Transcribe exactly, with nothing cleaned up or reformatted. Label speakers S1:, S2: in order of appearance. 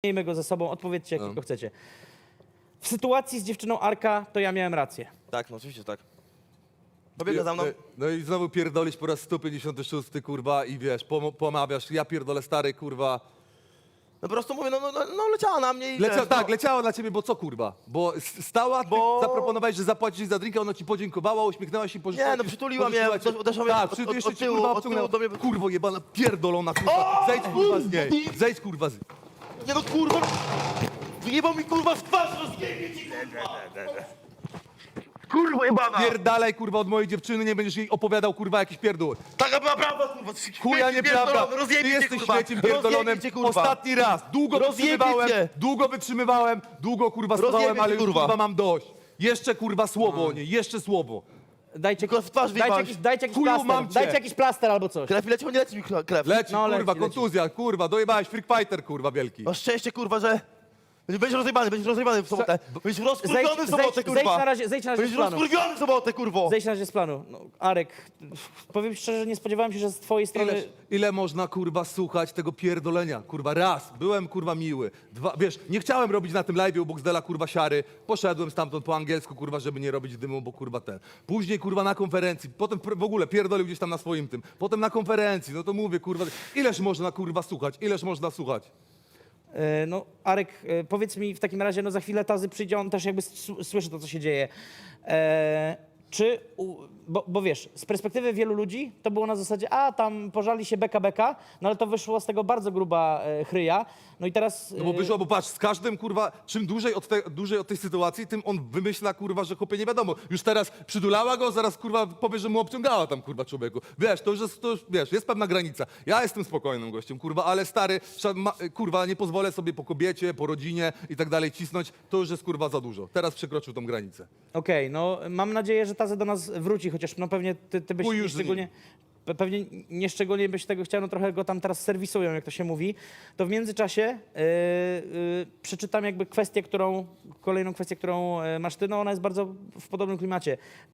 S1: miejmy go ze sobą, odpowiedzcie jak
S2: No.
S1: tylko chcecie. W sytuacji z dziewczyną Arka to ja miałem rację.
S3: Tak, no oczywiście tak. Pobiega za mną.
S2: No, no i znowu pierdolisz po raz sto pięćdziesiąty szósty, kurwa, i wiesz, pom pomawiasz, ja pierdolę stary, kurwa.
S3: No po prostu mówię, no, no, no, no leciała na mnie i
S2: Lecia,
S3: wiesz,
S2: tak,
S3: no.
S2: leciała na ciebie, bo co, kurwa? Bo s- stała, ty
S3: Bo-
S2: zaproponowałeś, że zapłacisz za drinka, ona ci podziękowała, uśmiechnęła się i pożyczyła
S3: Nie, no
S2: ci-
S3: przytuliła mnie,
S2: pożyczyła ci-
S3: uderzyła mnie
S2: tak,
S3: od-
S2: przy,
S3: od-
S2: jeszcze
S3: od
S2: ci,
S3: tyłu,
S2: kurwa,
S3: od tyłu
S2: obciągnęła.
S3: do mnie-
S2: Kurwo jebana, pierdolona, kurwa, zejdź, kurwa, z niej, zejdź, kurwa, z niej.
S3: Nie no kurwa! Wyjebał mi kurwa w twarz, rozjebie ci kurwa! Kurwa jebana!
S2: Pierdalaj, kurwa, od mojej dziewczyny, nie będziesz jej opowiadał, kurwa, jakiś pierdół.
S3: Taka była prawda kurwa!
S2: Chuja nieprawda, ty
S3: Rozjebie cię
S2: jesteś
S3: kurwa!
S2: śmieciem pierdolonym.
S3: Rozjebie cię, kurwa.
S2: Ostatni raz, długo
S3: Rozjebie
S2: wytrzymywałem,
S3: cię.
S2: długo wytrzymywałem, długo, kurwa,
S3: Rozjebie
S2: stawałem,
S3: cię,
S2: ale już,
S3: kurwa.
S2: kurwa, mam dość. Jeszcze, kurwa, słowo o niej, jeszcze słowo.
S1: Dajcie,
S3: Tylko w twarz
S1: dajcie,
S3: wyjebałeś.
S1: jakiś, dajcie jakiś
S2: Chuju,
S1: plaster,
S2: mam cię.
S1: dajcie jakiś plaster albo coś.
S3: Krew mi leci, bo nie leci mi krew.
S2: Leci,
S1: No,
S2: kurwa,
S1: leci, leci.
S2: kontuzja, kurwa, dojebałeś, freak fighter, kurwa, wielki.
S3: Masz szczęście kurwa, że... Będziesz rozjebany, będziesz rozjebany w sobotę. Będziesz
S1: Zejdź,
S3: rozkurwiony w sobotę
S1: zejdź,
S3: kurwa!
S1: zejdź na razie, zejdź na razie z
S3: Będziesz
S1: planu.
S3: rozkurwiony w sobotę kurwo!
S1: Zejdź na razie z planu. No, Arek, powiem szczerze, nie spodziewałem się, że z twojej strony...
S2: Ile, ile można, kurwa, słuchać tego pierdolenia? Kurwa, raz, byłem, kurwa, miły. Dwa, wiesz, nie chciałem robić na tym live'ie u Boxdela, kurwa, siary. Poszedłem stamtąd po angielsku, kurwa, żeby nie robić dymu, bo, kurwa, ten. Później, kurwa, na konferencji, potem pr- w ogóle pierdolił gdzieś tam na swoim tym. Potem na konferencji, no to mówię, kurwa, ileż można, kurwa, słuchać? Ileż można słuchać?
S1: E, No, Arek, e, powiedz mi w takim razie, no za chwilę Tazy przyjdzie, on też jakby s- słyszy to, co się dzieje. E, czy, u, bo, bo wiesz, z perspektywy wielu ludzi to było na zasadzie, a tam pożali się beka beka, no ale to wyszło z tego bardzo gruba e, chryja. No i teraz...
S2: No bo
S1: e,
S2: wyszło, bo patrz, z każdym, kurwa, czym dłużej od, te, dłużej od tej sytuacji, tym on wymyśla, kurwa, że chłopie nie wiadomo. Już teraz przydulała go, zaraz, kurwa, powie, że mu obciągała tam, kurwa, człowieku. Wiesz, to już jest, to już, wiesz, jest pewna granica. Ja jestem spokojnym gościem, kurwa, ale stary, sza- ma, kurwa, nie pozwolę sobie po kobiecie, po rodzinie i tak dalej cisnąć, to już jest, kurwa, za dużo. Teraz przekroczył tą granicę.
S1: Okej, no mam nadzieję, że Tazy do nas wróci, chociaż no pewnie ty, ty byś
S2: Chuj
S1: nie
S2: już z
S1: szczególnie... pe- Pewnie nie szczególnie byś tego chciał, no trochę go tam teraz serwisują, jak to się mówi. To w międzyczasie yy, yy, przeczytam jakby kwestię, którą, kolejną kwestię, którą yy, masz ty, no ona jest bardzo w podobnym klimacie.